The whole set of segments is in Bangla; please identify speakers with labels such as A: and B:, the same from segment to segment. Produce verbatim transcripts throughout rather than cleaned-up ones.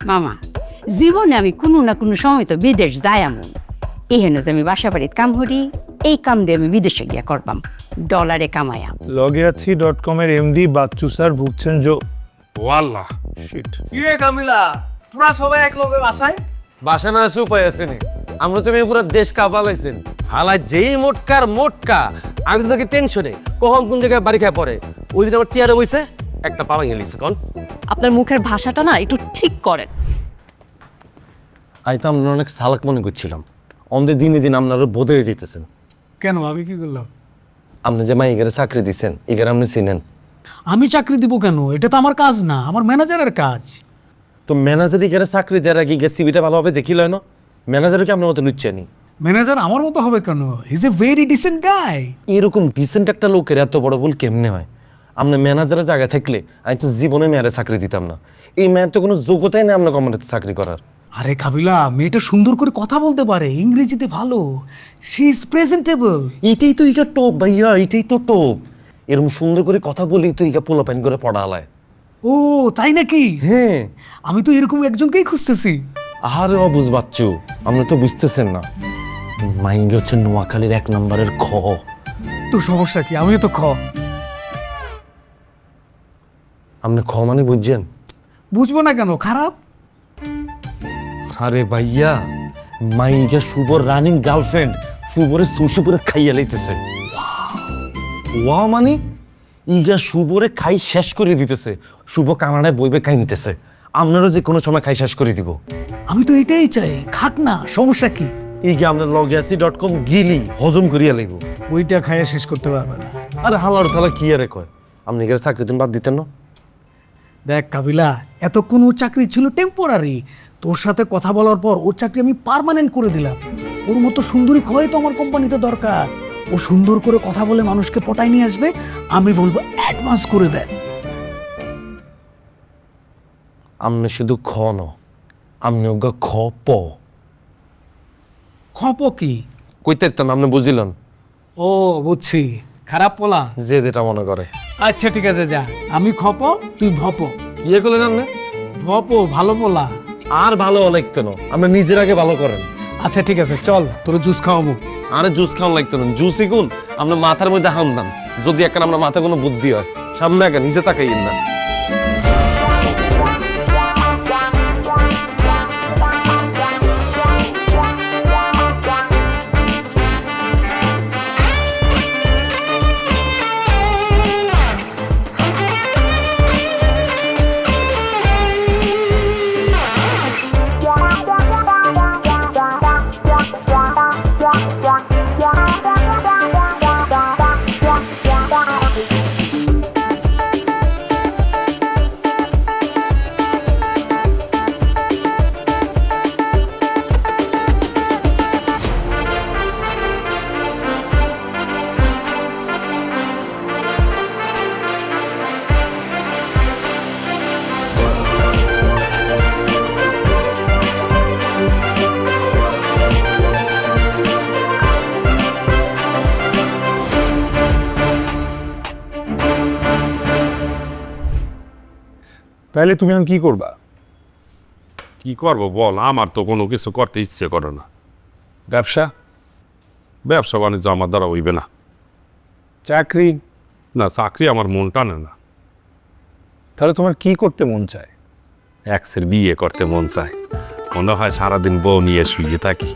A: মামা জীবনে আমি কোনো না কোনো সময় তো বিদেশ যাই এমন এই হেন যে আমি বাসা বাড়িতে কাম করি এই কাম দিয়ে আমি বিদেশে গিয়া করবাম ডলারে কামায়াম
B: লগে আছি ডট কম এর এমডি বাচ্চু স্যার ভুগছেন জো
C: ওয়াল্লাহ
B: শিট
D: ইয়ে কামিলা তোরা সবাই এক লগে বাসায়
C: বাসা না আছে উপায় আছে নি আমরা তুমি পুরো দেশ কাঁপালাইছেন হালাই যেই মোটকার মোটকা আমি তো থাকি টেনশনে কখন কোন জায়গায় বাড়ি খায় পড়ে ওই দিন আমার চেয়ারে বইছে একটা পাওয়া গেলিছে কন
E: আপনার মুখের ভাষাটা না একটু ঠিক করেন।
C: আই তো আমরা অনেক সালাক মনে করছিলাম আমাদের দিনে দিন আপনারা বোধ হয়ে যেতেছেন
D: কেন আমি কি করলাম?
C: আপনি যে মাই এগারে চাকরি দিচ্ছেন এগারে আপনি চিনেন
D: আমি চাকরি দিব কেন? এটা তো আমার কাজ না, আমার ম্যানেজারের কাজ।
C: তো ম্যানেজার এগারে চাকরি দেওয়ার আগে গিয়ে সিবিটা ভালোভাবে দেখিল না ম্যানেজারকে আপনার মতো লুচ্ছেনি
D: ম্যানেজার আমার মতো হবে কেন? He is a very decent guy.
C: এরকম ডিসেন্ট একটা লোকের এত বড় ভুল কেমনে হয়? আপনার ম্যানেজারের জায়গায় থাকলে আমি তো জীবনে মেয়ারে চাকরি দিতাম না। এই মেয়ের তো কোনো যোগ্যতাই নেই আপনার কোম্পানিতে চাকরি করার।
D: আরে কাবিলা, মেয়েটা সুন্দর করে কথা বলতে পারে, ইংরেজিতে ভালো, শি ইজ প্রেজেন্টেবল।
C: এটাই তো ইকা টপ ভাইয়া, এটাই তো টপ। এরকম সুন্দর করে কথা বলি তো ইকা পোলা প্যান করে পড়া হালায়।
D: ও তাই নাকি?
C: হ্যাঁ,
D: আমি তো এরকম একজনকেই খুঁজতেছি।
C: আরে অবুঝ বাচ্চু, আপনি তো বুঝতেছেন না। মাইন্ড হচ্ছে নোয়াখালীর এক নম্বরের খ।
D: তো সমস্যা কি? আমিও তো খ।
C: আপনি খ মানে বুঝছেন?
D: বুঝবো না কেন? খারাপ?
C: আরে ভাইয়া, মাইগা শুভর রানিং গার্লফ্রেন্ড শুভরে সুশি করে খাইয়া লাইতেছে। ওয়া মানে ইগা শুভরে খাই শেষ করে দিতেছে। শুভ কানাডায় বইবে খাই নিতেছে। আপনারও যে কোনো সময় খাই শেষ করে দিব।
D: আমি তো এটাই চাই, খাক না, সমস্যা কি?
C: ইগা আপনার লগেসি ডট কম গিলি হজম করিয়া লাগব।
D: ওইটা খাইয়া শেষ করতে পারবে না।
C: আরে হালার থালা কি আরে কয়, আপনি এখানে চাকরি দিন বাদ দিতেন না?
D: দেখ কাবিলা, এতক্ষণ ওর চাকরি ছিল টেম্পোরারি। তোর সাথে কথা বলার পর ওর চাকরি আমি পার্মানেন্ট করে দিলাম। ওর মতো সুন্দরী খয় তো আমার কোম্পানিতে দরকার। ও সুন্দর করে কথা বলে মানুষকে পটায় নিয়ে আসবে, আমি বলবো অ্যাডভান্স করে দেয়।
C: আপনি শুধু খ ন, আপনি ওগা খ প।
D: খপ কি?
C: কইতে না আপনি বুঝিলেন?
D: ও বুঝছি, খারাপ পোলা।
C: যে যেটা মনে করে।
D: আচ্ছা ঠিক আছে, যা। আমি খপ, তুই ভপ।
C: ইয়ে করলেন আপনি?
D: ভপ ভালো পোলা।
C: আর ভালো লাগতো না, আপনি নিজের আগে ভালো করেন।
D: আচ্ছা ঠিক আছে, চল তোর জুস খাওয়াবো।
C: আরে জুস খাওয়ান লাগতো না, জুসই গুণ আপনার মাথার মধ্যে হাম দাম। যদি একটা আপনার মাথায় কোনো বুদ্ধি হয়, সামনে আগে নিচে তাকাইয়েন না।
B: তাহলে তুমি এখন কি করবা?
F: কি করবো বল, আমার তো কোনো কিছু করতে ইচ্ছে করে না।
B: ব্যবসা?
F: ব্যবসা বাণিজ্য আমার দ্বারা হইবে না।
B: চাকরি?
F: না, চাকরি আমার মন টানে না।
B: তাহলে তোমার কি করতে মন চায়?
F: এক্সের বিয়ে করতে মন চায়, মনে হয় সারাদিন বউ নিয়ে শুয়ে থাকি।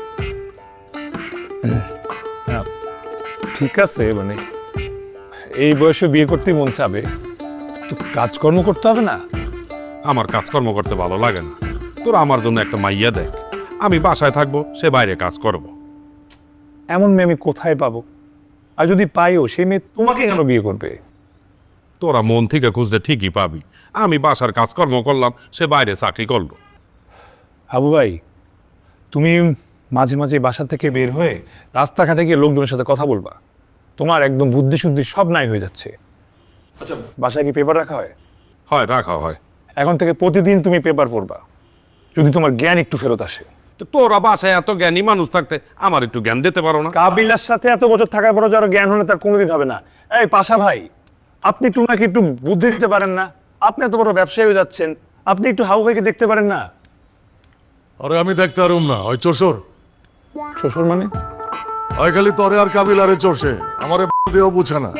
B: ঠিক আছে, মানে এই বয়সে বিয়ে করতে মন চাবে, তো কাজকর্ম করতে হবে না?
F: আমার কাজকর্ম করতে ভালো লাগে না। তোরা আমার জন্য একটা মাইয়া দেখ, আমি বাসায় থাকবো, সে বাইরে কাজ করব।
B: এমন মেয়ে আমি কোথায় পাবো? আর যদি পাইও, সেই মেয়ে তোমাকে কেন বিয়ে করবে?
F: তোরা মন থেকে খুঁজতে ঠিকই পাবি। আমি বাসার কাজকর্ম করলাম, সে বাইরে চাকরি করলো।
B: হাবু ভাই, তুমি মাঝে মাঝে বাসা থেকে বের হয়ে রাস্তাঘাটে গিয়ে লোকজনের সাথে কথা বলবা। তোমার একদম বুদ্ধি শুদ্ধি সব নাই হয়ে যাচ্ছে। আচ্ছা, বাসায় কি পেপার রাখা হয়?
F: হয়, রাখা হয়।
B: এখন থেকে প্রতিদিন তুমি পেপার পড়বা, যদি তোমার জ্ঞান একটু ফেরত আসে।
F: তো তোরা বাসায় এত জ্ঞানী মানুষ থাকতে আমার একটু জ্ঞান দিতে পারো না?
B: কাবিলার সাথে এত বছর থাকার পরও যারা জ্ঞান হলে তার কোনোদিন হবে না। এই পাশা ভাই, আপনি একটু নাকি একটু বুদ্ধি দিতে পারেন না? আপনি এত বড় ব্যবসায়ী হয়ে যাচ্ছেন, আপনি একটু হাবু ভাইকে দেখতে পারেন না?
G: আরে আমি দেখতে পারুম না, ওই চোষর
B: শ্বশুর মানে?
G: ওই খালি তরে আর কাবিলারে চষে, আমারে দিয়েও বুঝে না।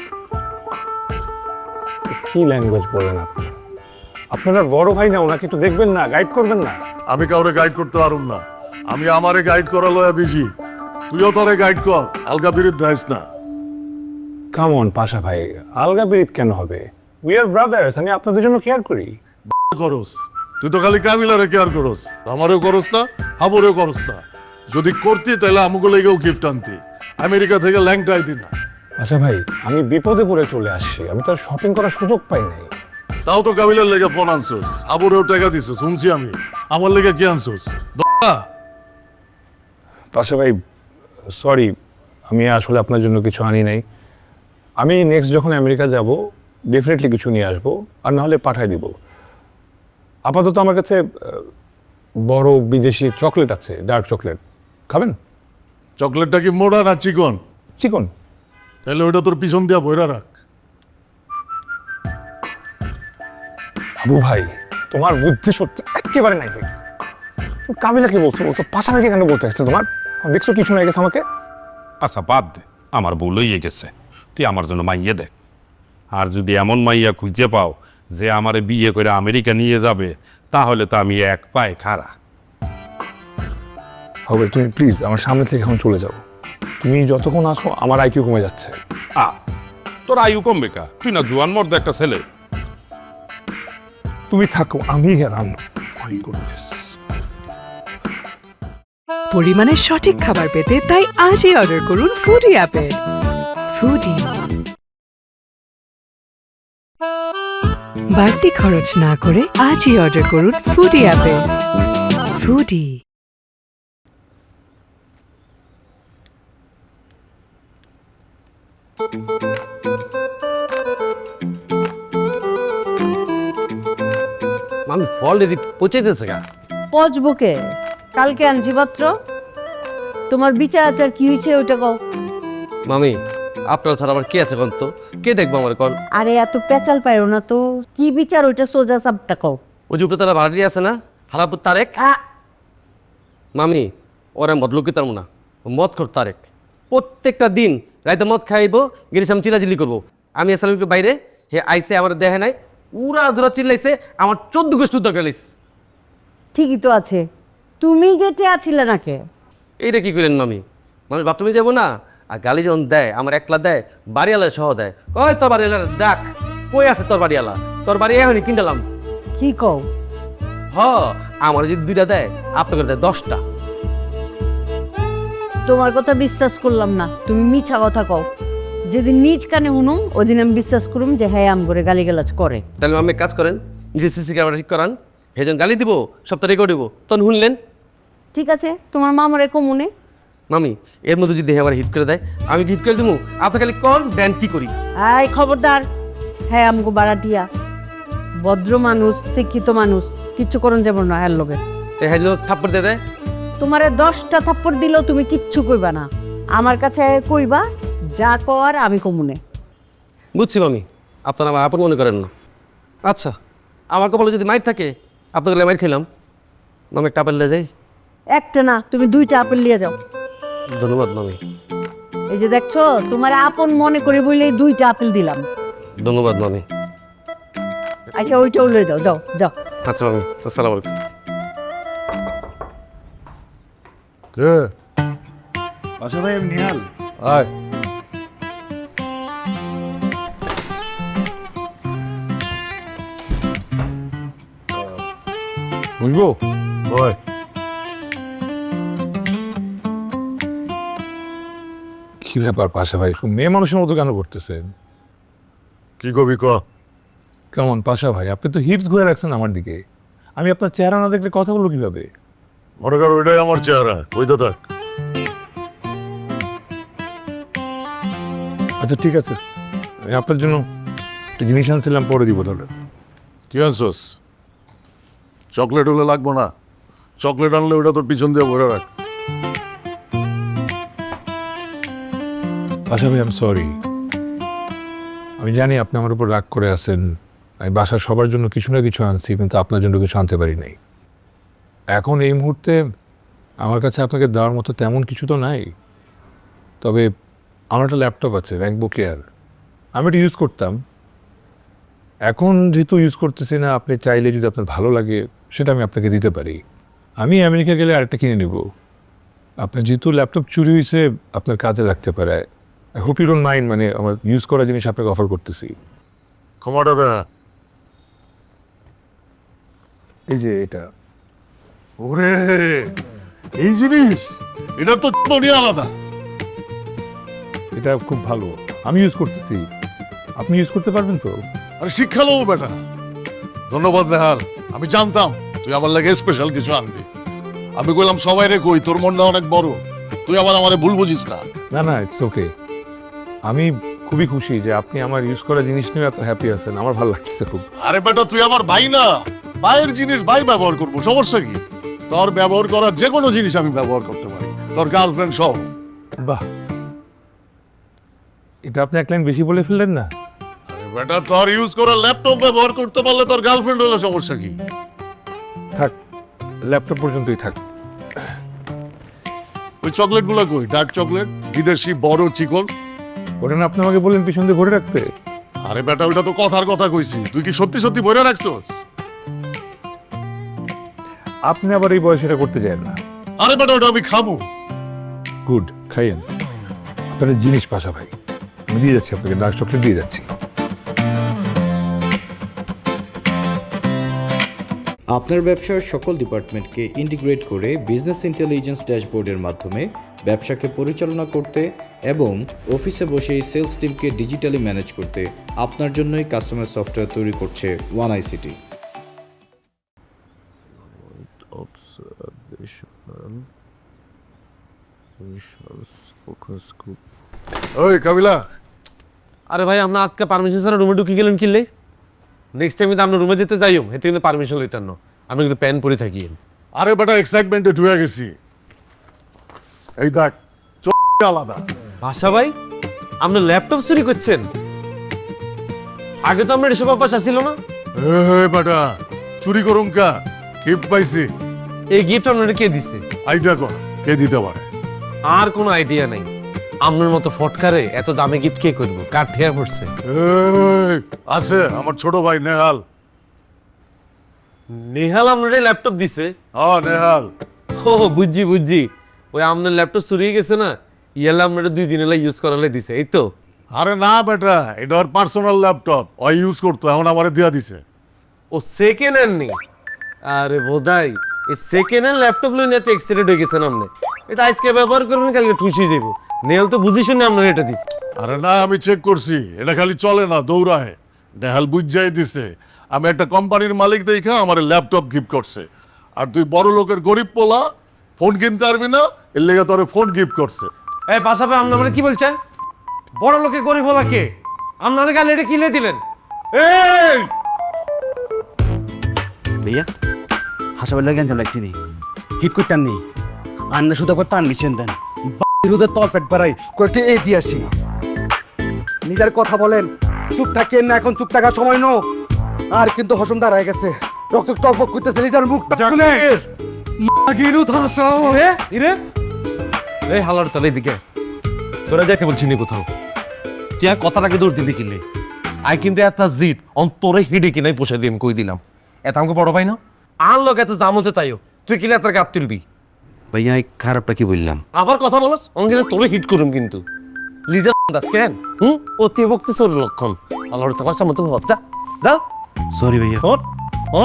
B: কি ল্যাঙ্গুয়েজ বলেন আপনি? আপনারা বড় ভাই না, ওনাকে একটু দেখবেন না, গাইড করবেন না?
G: আমি কাউরে গাইড করতে পারুম না, আমি আমারে গাইড করা লয়া বিজি। তুইও তরে গাইড কর, আলগা বিরিদ দেয়স না।
B: কাম অন পাশা ভাই, আলগা বিরিত কেন হবে? উই আর ব্রাদার্স, আমি আপনাদের জন্য কেয়ার করি।
G: করস তুই তো খালি কাবিলারে কেয়ার করস, আমারেও করস না, হাবুরেও করস না। যদি করতি তাহলে আমুকে লেগেও গিফট আনতি, আমেরিকা থেকে ল্যাংটাই দি না।
B: আচ্ছা ভাই, আমি বিপদে পড়ে চলে আসছি, আমি তো আর শপিং করার সুযোগ পাই নাই।
G: তাও তো কাবিলার লেগে ফোন আনছোস, হাবুরেও টাকা দিছিস, শুনছি আমি। আমার লেগে কি আনছোস? দা
B: পাশা ভাই সরি, আমি আসলে আপনার জন্য কিছু আনি নাই। আমি নেক্সট যখন আমেরিকা যাব ডেফিনেটলি কিছু নিয়ে আসবো, আর নাহলে পাঠাই দিব। আপাতত আমার কাছে আহ, বড় বিদেশি চকলেট আছে, ডার্ক চকলেট। খাবেন?
G: চকলেটটা কি মোড়া না চিকন?
B: চিকন।
G: তাহলে ওইটা তোর পিছন দিয়া বইরা রাখ।
B: আবু ভাই, তোমার বুদ্ধি সত্যি একেবারে নাই হয়ে গেছে। তুমি কাবিলাকে বলছো, বলছো পাশাপাশি কেন বলতে আসছে তোমার? দেখছো কি শোনা গেছে আমাকে?
F: আচ্ছা বাদ দে, আমার বউ লইয়ে গেছে, তুই আমার জন্য মাইয়া দেখ। আর যদি এমন মাইয়া খুঁজে পাও যে আমারে বিয়ে করে আমেরিকা নিয়ে যাবে, তাহলে তো আমি এক পায়ে খাড়া।
B: হবে, তুমি প্লিজ আমার সামনে থেকে এখন চলে যাও। তুমি যতক্ষণ আসো আমার আইকিউ কমে যাচ্ছে।
F: আ তোর আয়ু কমবে কা? তুই না জুয়ান মর্দ একটা ছেলে।
B: তুমি থাকো, আমি গেলাম। My goodness.
H: পরিমাণে সঠিক খাবার পেতে তাই আজই অর্ডার করুন ফুডি অ্যাপে। ফুডি, বাড়তি খরচ না করে আজই অর্ডার করুন ফুডি অ্যাপে। ফুডি।
I: আমি ফল রেডি পচেতেছে গা।
A: পচবকে কালকে আনছি পাত্র। তোমার বিচার আচার কি হয়েছে ওইটা কও।
I: মামি আপনার ছাড়া আবার কে আছে কন তো? কে দেখবো আমার কন?
A: আরে এত পেঁচাল পাইরো না তো, কি বিচার ওইটা সোজা সাপটা কও।
I: ওই যে উপরে তারা ভাড়াটি আছে না, হারাপুর তারেক। মামি ওরা মদ লোক তার না, মদ খোর তারেক। প্রত্যেকটা দিন রাইতে মদ খাইবো, গেছিলাম চিলাচিলি করবো। আমি আসলাম একটু বাইরে, হে আইসে আমার দেখে নাই, উড়া ধরা চিল্লাইছে, আমার চোদ্দ গোষ্ঠ দরকার লাইছে।
A: ঠিকই তো আছে, তুমি গেটে আছিলে নাকি?
I: এইটা কি করেন মামি? মামি বাথরুমে যাবো না, আর গালি যখন দেয় আমার একলা দেয়, বাড়িওয়ালা সহ দেয়। কয় তোর বাড়িওয়ালা দেখ কই আছে তোর বাড়িওয়ালা, তোর বাড়ি এখনই কিনলাম।
A: কি কও?
I: হ আমার যদি দুইটা দেয়, আপনাকে দেয় দশটা।
A: তোমার কথা বিশ্বাস করলাম না, তুমি মিছা কথা কও। যেদিন নিজ কানে শুনুম ওদিন আমি বিশ্বাস করুম যে হ্যাঁ আম করে গালিগালাজ করে।
I: তাহলে মামি কাজ করেন, নিজে সিসি ক্যামেরা ঠিক করান, হেজন গালি দিব, সপ্তাহ রেকর্ড দিব, তখন শুনলেন।
A: ঠিক আছে, তোমার মামারে কমুনে।
I: মামি এর মধ্যে যদি আমার হিট করে দেয়, আমি হিট করে দেবো, আপনি খালি কল দেন কি করি।
A: আই খবরদার, হ্যাঁ আমগো বাড়াটিয়া ভদ্র মানুষ, শিক্ষিত মানুষ, কিচ্ছু করন যাব না এর লগে।
I: তো হ্যাঁ থাপ্পড় দিয়ে দেয়,
A: তোমারে দশটা থাপ্পড় দিলেও তুমি কিচ্ছু কইবা না, আমার কাছে কইবা যা কর আমি কমুনে।
I: বুঝছি মামি, আপনারা আমার আপন মনে করেন না। আচ্ছা আমার কপালে যদি মাইট থাকে, আপনাকে মাইট খেলাম, মামি একটা আপেল নিয়ে যাই।
A: একটা না, তুমি দুইটা আপেল নিয়ে যাও।
I: ধন্যবাদ মামি।
A: এই যে দেখছো, তোমার আপন মনে করে বললেই দুইটা আপেল দিলাম।
I: ধন্যবাদ মামি।
A: আচ্ছা ওইটাও লয়ে যাও, যাও যাও।
I: আচ্ছা মামি, আসসালামু আলাইকুম।
G: কে?
B: পাশা ভাই, আমি নিহাল।
G: আয়
B: বুঝবো?
G: বয়।
B: কি ব্যাপার পাশা ভাই, খুব মেয়ে মানুষের মতো কেন করতেছেন?
G: কি কবি ক?
B: কেমন পাশা ভাই, আপনি তো হিপস ঘুরে রাখছেন আমার দিকে, আমি আপনার চেহারা না দেখলে কথা বলবো কিভাবে?
G: মনে কর ওইটাই আমার চেহারা, ওইটা থাক।
B: আচ্ছা ঠিক আছে, আমি আপনার জন্য একটা জিনিস আনছিলাম, পরে দিব তাহলে।
G: কি আনছোস? চকলেট হলে লাগবো না, চকলেট আনলে ওটা তোর পিছন দিয়ে ভরে রাখ।
B: পাশা ভাই, আই এম সরি। আমি জানি আপনি আমার উপর রাগ করে আছেন, আমি বাসার সবার জন্য কিছু না কিছু আনছি, কিন্তু আপনার জন্য কিছু আনতে পারি নাই। এখন এই মুহূর্তে আমার কাছে আপনাকে দেওয়ার মতো তেমন কিছু তো নাই, তবে আমার একটা ল্যাপটপ আছে ম্যাকবুক এয়ার, আমি এটা ইউজ করতাম। এখন যেহেতু ইউজ করতেছি না, আপনি চাইলে যদি আপনার ভালো লাগে সেটা আমি আপনাকে দিতে পারি। আমি আমেরিকা গেলে আরেকটা কিনে নেব। আপনার যেহেতু ল্যাপটপ চুরি হয়েছে, আপনার কাজে লাগতে পারে। I hope you don't mind, মানে আমার ইউজ করা জিনিস আপনাকে অফার করতেছি।
G: ক্ষমাটা দে।
B: এই যে এটা,
G: ওরে এই জিনিস, এটা তো দুনিয়া আলাদা।
B: এটা খুব ভালো, আমি ইউজ করতেছি, আপনি ইউজ করতে পারবেন তো?
G: আরে শিক্ষা লও বেটা। ধন্যবাদ নেহাল, আমি জানতাম তুই আমার লাগে স্পেশাল কিছু আনবি। আমি কইলাম সবাই রে কই তোর মনটা অনেক বড়, তুই আবার আমারে ভুল বুঝিস না।
B: না না, ইটস ওকে। আমি খুবই খুশি যে আপনি আমার ইউজ করা জিনিস নিয়ে এত হ্যাপি আছেন, আমার ভালো লাগছে খুব।
G: আরে বেটা তুই আমার ভাই না, ভাইয়ের জিনিস ভাই ব্যবহার করবো, সমস্যা কি? তোর ব্যবহার করার যে কোনো জিনিস আমি ব্যবহার করতে পারি, তোর গার্লফ্রেন্ড সহ।
B: বাহ, এটা আপনি এক লাইন বেশি বলে ফেললেন না?
G: আরে বেটা তোর ইউজ করা ল্যাপটপ ব্যবহার করতে পারলে তোর গার্লফ্রেন্ড হলে সমস্যা কি?
B: থাক, ল্যাপটপ পর্যন্তই থাক।
G: ওই চকলেট গুলো কই? ডার্ক চকলেট, বিদেশি বড় চিকন।
B: ওটা না আপনি আমাকে বললেন পিছন দিয়ে ভরে রাখতে?
G: আরে বেটা ওটা তো কথার কথা কইছি, তুই কি সত্যি সত্যি বইরা রাখছস?
B: আপনি আবার এই বয়সে এটা করতে চান না।
G: আরে বেটা ওটা আমি খাবো।
B: গুড, খাইয়েন। আপনার জিনিস পাশা ভাই, আমি দিয়ে যাচ্ছি আপনাকে, ডার্ক চকলেট দিয়ে যাচ্ছি।
J: আপনার ব্যবসার সকল ডিপার্টমেন্টকে ইন্টিগ্রেট করে বিজনেস ইন্টেলিজেন্স ড্যাশবোর্ডের মাধ্যমে ব্যবসাকে পরিচালনা করতে এবং অফিসে বসে সেলস টিমকে ডিজিটালি ম্যানেজ করতে আপনার জন্যই কাস্টমার সফটওয়্যার তৈরি করছে ওয়ান আইসিটি।
G: ওই কাবিলা,
I: আরে ভাই আমরা আজকে পারমিশন ছাড়া রুমে ঢুকে গেলেন কিনলে? নেক্সট টাইম কিন্তু আমরা রুমে যেতে যাইও, এতে কিন্তু পারমিশন লইতেন না, আমি কিন্তু প্যান পরে থাকি।
G: আরে বেটা এক্সাইটমেন্টে ঢুকে গেছি। এই দেখ চোখ আলাদা।
I: ভাষা ভাই, আপনি ল্যাপটপ চুরি করছেন? আগে তো আমরা এসব অভ্যাস আসছিল না।
G: এই বেটা চুরি করুন কা, গিফট পাইছি।
I: এই গিফট আপনারা কে দিছে?
G: আইডিয়া কর কে দিতে পারে।
I: আর কোনো আইডিয়া নাই। আপনার মতো ফটকারে এত দামি গিফট কে করবো? কার ঠেয়া পড়ছে?
G: এই, আছে আমার ছোট ভাই নেহাল।
I: নেহাল আপনার ল্যাপটপ দিছে?
G: ও নেহাল,
I: ও বুঝছি বুঝছি, ওই আপনার ল্যাপটপ চুরিয়ে গেছে না, ইয়ালে আপনারা দুই দিন এলা ইউজ করালে দিছে, এই তো?
G: আরে না বেটা, এটা ওর পার্সোনাল ল্যাপটপ, ও ইউজ করতো, এখন আমারে দিয়া দিছে।
I: ও সেকেন্ড হ্যান্ড নেই? আরে বোধাই এই সেকেন্ড হ্যান্ড ল্যাপটপ লই নিয়ে তো এক্সিডেন্ট হয়ে গেছেন আপনি। এটা আজকে ব্যবহার করবেন, কালকে ঠুসি যাইব। নেহাল তো বুঝি শুনে আপনার এটা দিছে।
G: আরে না আমি চেক করছি, এটা খালি চলে না দৌড়ায়। নেহাল বুঝাই দিছে আমি একটা কোম্পানির মালিক দেখা আমার ল্যাপটপ গিফট করছে, আর তুই বড় লোকের গরিব পোলা ফোন কিনতে পারবি না, এর লেগে তোরে ফোন গিফট করছে।
I: এই পাশাপাশি আপনি আমরা কি বলছেন? বড় লোকে গরিব হলা কে? আপনারা কাল এটা কিনে দিলেন? এই
K: भैया হাসপাতালে গেছেন লাগছি নি হিট করতেন নি আন্না শুধু করে পারমিশন দেন বিরুদ্ধে তল পেট বাড়াই কয়েকটি এই দিয়ে আসি নিজের কথা বলেন চুপ থাকেন না এখন চুপ থাকার সময় নো আর কিন্তু হসম দাঁড়ায় গেছে রক্ত টকবক করতেছে লিটার মুখটা খুলে গিরু ধরসাও
I: রে ইরে এই হালার তলে দিকে তোরা যাইতে বলছিস নি কোথাও? তুই আর কথাটাকে দৌড় দিলি কিনলে? আই কিন্তু এত জিত অন্তরে হিডে কিনাই পোষাই দিয়ে আমি কই দিলাম। এত আমাকে বড় ভাই না, আর লোক এত জামতে তাইও তুই কিলে এত গাপ তুলবি?
K: ভাইয়া এই খারাপটা কি বললাম?
I: আবার কথা বলস, অঙ্গে তোরে হিট করুম কিন্তু। লিডার দাস কেন? হুম, অতি ভক্তি সর লক্ষণ। আল্লাহর তোমার মতো যা যা।
K: সরি ভাইয়া।
I: হন হন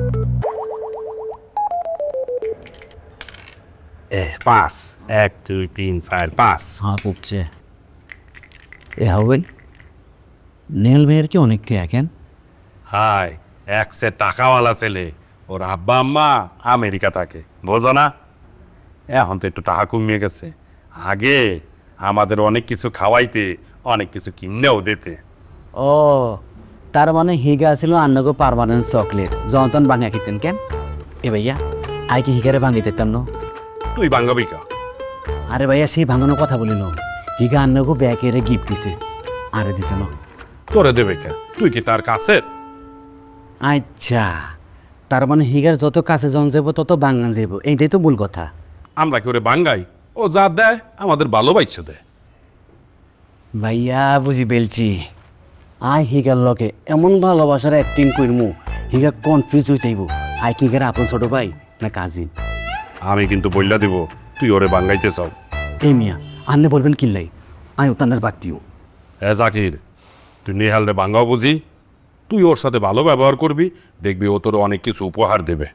F: এ পাঁচ, এক দুই তিন চার পাঁচ।
K: হ্যাঁ পুকছে এ হবেন নেল ভাইয়ের কি অনেককে এখন
F: হাই, এক সে টাকাওয়ালা ছেলে, ওর আব্বা আম্মা আমেরিকা থাকে, বোঝো না? এখন তো একটু টাকা কমিয়ে গেছে। আগে আমাদের অনেক কিছু খাওয়াইতে, অনেক কিছু কিনেও দিতে।
K: ও তার মানে হিগা ছিল আন্নগো পারমানেন্ট চকলেট যতন ভাঙা খেতেন কেন? এ ভাইয়া আই কি হিগারে ভাঙি দিতাম না?
F: তুই বাঙ্গাবি কা?
K: আরে ভাইয়া সেই ভাঙানোর কথা বলিল হিগা আন্নগো ব্যাকেরে গিফট দিছে আরে দিত না।
F: তোরে দেবে কে? তুই কি তার কাছে?
K: আচ্ছা, তার মানে হিগার যত কাছে জন যাব তত বাঙ্গান যাব, এইটাই তো মূল কথা।
F: আমরা কি ওরে বাঙ্গাই? ও যা দেয় আমাদের ভালোবাসা দেয়।
K: ভাইয়া বুঝি পেলছি, আই হিগার লগে এমন ভালোবাসার অ্যাক্টিং করমু হিগা কনফিউজ হয়ে যাইব আই কি হিগার আপন ছোট ভাই না কাজিন।
F: আমি কিন্তু বললা দিব তুই ওরে বাঙ্গাইতে চাও।
K: এই মিয়া আন্নে বলবেন কিল্লাই, আই ওতানের বাড়তিও।
F: এ জাকির, তুই নেহালরে বাঙ্গাও বুঝি, তুই ওর সাথে ভালো ব্যবহার করবি, দেখবি ও তোর অনেক কিছু উপহার দেবে।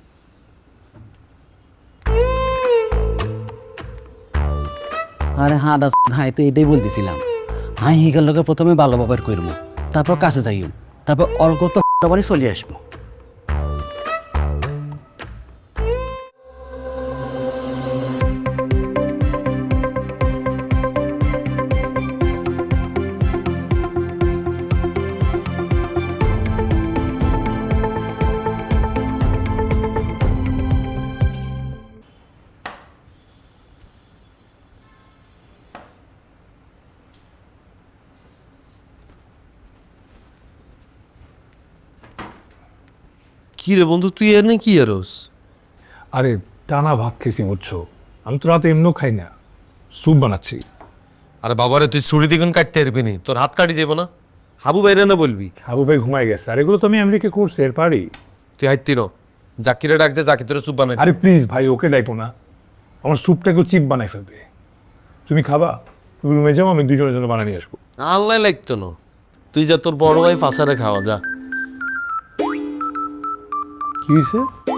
K: আরে হ্যাঁ দা হাই তো এটাই বলতেছিলাম, হাই হিগার লগে প্রথমে ভালো ব্যবহার করবো, তারপর কাছে যাইও, তারপর অল্প তো বাড়ি চলে আসবো।
I: কি রে বন্ধু, তুই এর নেই কি এরস?
B: আরে টানা ভাত খেয়েছি বুঝছো, আমি তো রাতে এমনিও খাই না, স্যুপ বানাচ্ছি।
I: আরে বাবারে, তুই ছুরি দিগুন কাটতে পারবি নি, তোর হাত কাটি যাবো না। হাবু বাইরে না বলবি?
B: হাবু ভাই ঘুমাই গেছে, আর এগুলো তো আমি আমেরিকা করছি, এর পারি।
I: তুই হাইতি নো, জাকিরে ডাক দে, জাকি তোর চুপ বানাই।
B: আরে প্লিজ ভাই, ওকে ডাইকো না, আমার স্যুপটাকেও চিপ বানাই ফেলবে। তুমি খাবা? তুমি রুমে যাও, আমি দুজনের জন্য বানিয়ে আসবো।
I: আল্লাহ লাগতো না, তুই যা তোর বড় ভাই ফাঁসারে খাওয়া যা।
B: কি হয়েছে?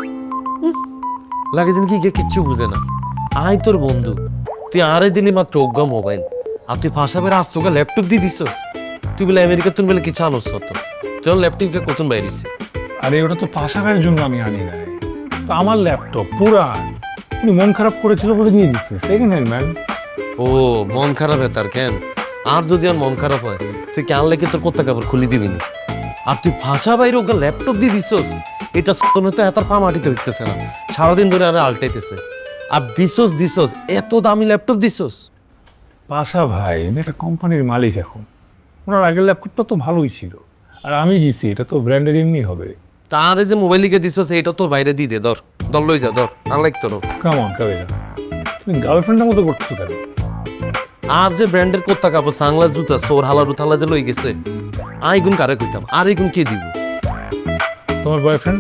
I: লাগে যেন কি কে কিচ্ছু বুঝে না। আই তোর বন্ধু, তুই আড়াই দিনই মাত্র অজ্ঞা মোবাইল, আর তুই ফাঁসাবের আজ তোকে ল্যাপটপ দিয়ে দিছস। তুই বলে আমেরিকা তুন বলে কিছু আনোস তো, তোর ল্যাপটপকে কতন বাইরেছি।
B: আরে ওটা তো পাশাবের জন্য আমি আনি নাই, তো আমার ল্যাপটপ পুরান, উনি মন খারাপ করেছিল বলে দিয়ে দিচ্ছে, সেকেন্ড হ্যান্ড ম্যান।
I: ও মন খারাপ হয় তার কেন? আর যদি আর মন খারাপ হয় তুই কেন লেগে তোর কোথা কাপড় খুলি দিবি না। আর তুই ভাষা বাইরে ওকে ল্যাপটপ দিয়ে দিছস, এটা তো এত পা মাটিতে হইতেছে না, সারাদিন ধরে আরে আলটাইতেছে। আর দিছস দিছস এত দামি ল্যাপটপ দিছস।
B: পাশা ভাই আমি একটা কোম্পানির মালিক এখন, ওনার আগের ল্যাপটপটা তো ভালোই ছিল, আর আমি দিছি, এটা তো ব্র্যান্ডের এমনি হবে।
I: তার যে মোবাইল লিখে দিছস এটা তোর বাইরে দিয়ে দে, ধর দর লই যা, ধর আনলাইক তোর।
B: কেমন কাবিলা, তুমি গার্লফ্রেন্ডের মতো করছো কেন?
I: আর যে ব্র্যান্ডের কোথা কাপড় সাংলা জুতা সোর হালা রুথালা যে লই গেছে, আই গুণ কারে কইতাম, আর এই গুণ কে দিব?
B: তোমার বয়ফ্রেন্ড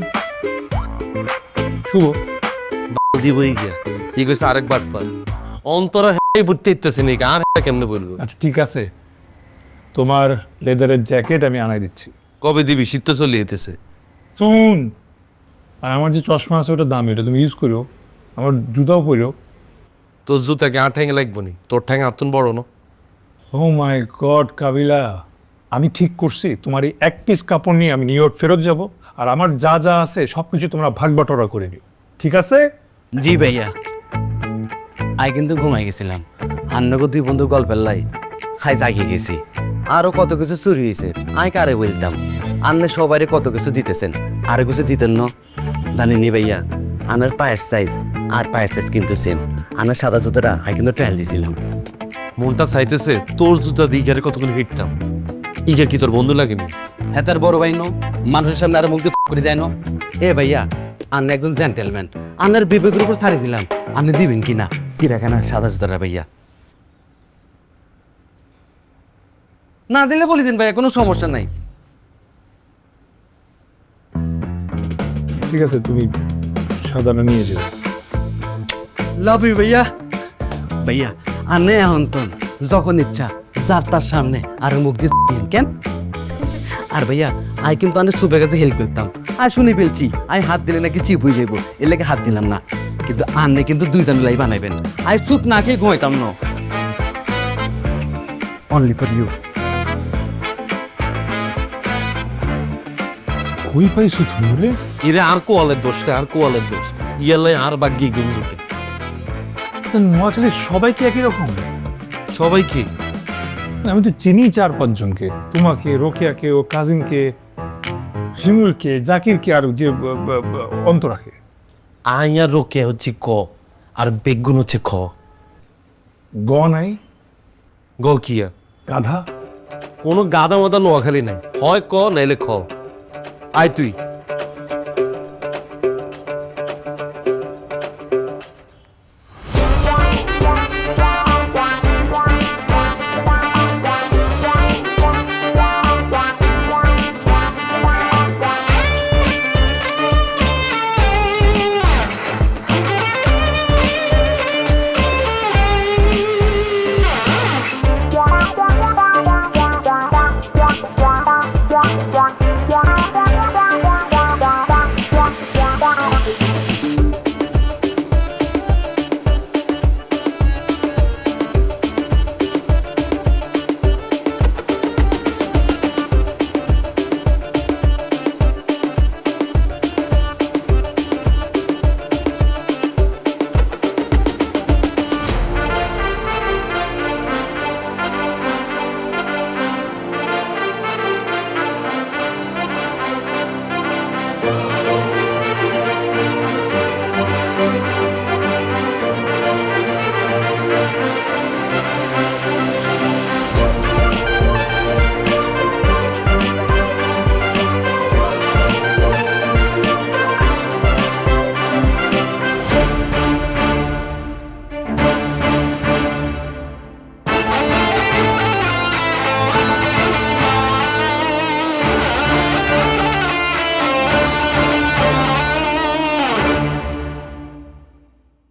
B: শুভ
I: দিবই গিয়া এই কইছে আরেকবার পর অন্তরা হেই বুঝতে ইত্তেছে নি, আর এটা কেমনে বলবো?
B: আচ্ছা ঠিক আছে, তোমার লেদারের জ্যাকেট আমি আনাই দিচ্ছি।
I: কবে দিবি? শীত তো চলে যেতেছে।
B: শুন, আর আমার যে চশমা আছে ওটা দামি, ওটা তুমি ইউজ করো, আমার জুতাও পরো।
I: তোর জুতাকে আট ঠ্যাঙে লাগবো নি, তোর ঠ্যাঙে আতুন বড় না।
B: ও মাই গড কাবিলা, আমি ঠিক করছি, তোমার এই এক পিস কাপড় নিয়ে আমি নিউ ইয়র্ক ফেরত যাব, আর আমার যা যা আছে সব কিছু তোমরা ভাগ বাটোয়ারা করে নিও, ঠিক আছে?
K: জি ভাইয়া, আই কিন্তু ঘুমাই গেছিলাম, হান্নগো দুই বন্ধু গল্পের লাই খাই জাগিয়ে গেছি, আরো কত কিছু চুরি হয়েছে, আই কারে বলতাম, আন্নে সবাই কত কিছু দিতেছেন, আরো কিছু দিতেন না জানিনি ভাইয়া। আনার পায়ের সাইজ আর পায়ের সাইজ কিন্তু সেম, আনার সাদা জুতোটা আই কিন্তু ট্রায়াল দিয়েছিলাম।
I: মনটা চাইতেছে তোর জুতা দিয়ে গেলে কতক্ষণ হিটতাম। ইগের কি তোর বন্ধু লাগেনি?
K: হ্যাঁ তার বড় ভাই নো, মানুষের সামনে আর মুখ দিয়ে করে দেয় না। এ ভাইয়া, আন্নে একজন জেন্টেলম্যান, আন্নার বিবেকের উপর ছাড়ি দিলাম, আপনি দিবেন কিনা চিরাখানা সাদা জুতোটা ভাইয়া? না দিলে বলে দিন ভাইয়া, কোনো সমস্যা নাই।
B: ঠিক আছে, তুমি সাদাটা নিয়ে যাবে।
K: লাভ ইউ ভাইয়া। ভাইয়া আনে এখন তো যখন ইচ্ছা যার তার সামনে আর মুখ দিয়ে দিন কেন? আর ভাইয়া আই কিন্তু অনেক সুপের কাছে হেল্প করতাম, আই শুনি ফেলছি আই হাত দিলে নাকি চিপ হয়ে যাবো, এর লেগে হাত দিলাম না, কিন্তু আনলে কিন্তু দুইজন লাই বানাইবেন, আই চুপ না খেয়ে ঘুমাইতাম না। Only for you.
B: কই পাইছো তুমি বলে?
I: ইরে আর কোয়ালের দোষটা, আর কোয়ালের দোষ, ইয়ালাই আর বাগিয়ে গুম জুটে।
B: নোয়াখালীর সবাই কি একই রকম?
I: সবাই কি?
B: আমি তো চিনি চার পাঁচজনকে, তোমাকে, রোকেয়াকে, ও কাজিনকে, শিমুলকে, জাকিরকে, আর যে অন্তরাকে।
I: আই আর রোকে হচ্ছে ক, আর বেগুন হচ্ছে খ।
B: গ নাই?
I: গ কিয়া?
B: গাধা।
I: কোনো গাদা মাদা নোয়াখালী নাই, হয় ক নাইলে খ। আয় তুই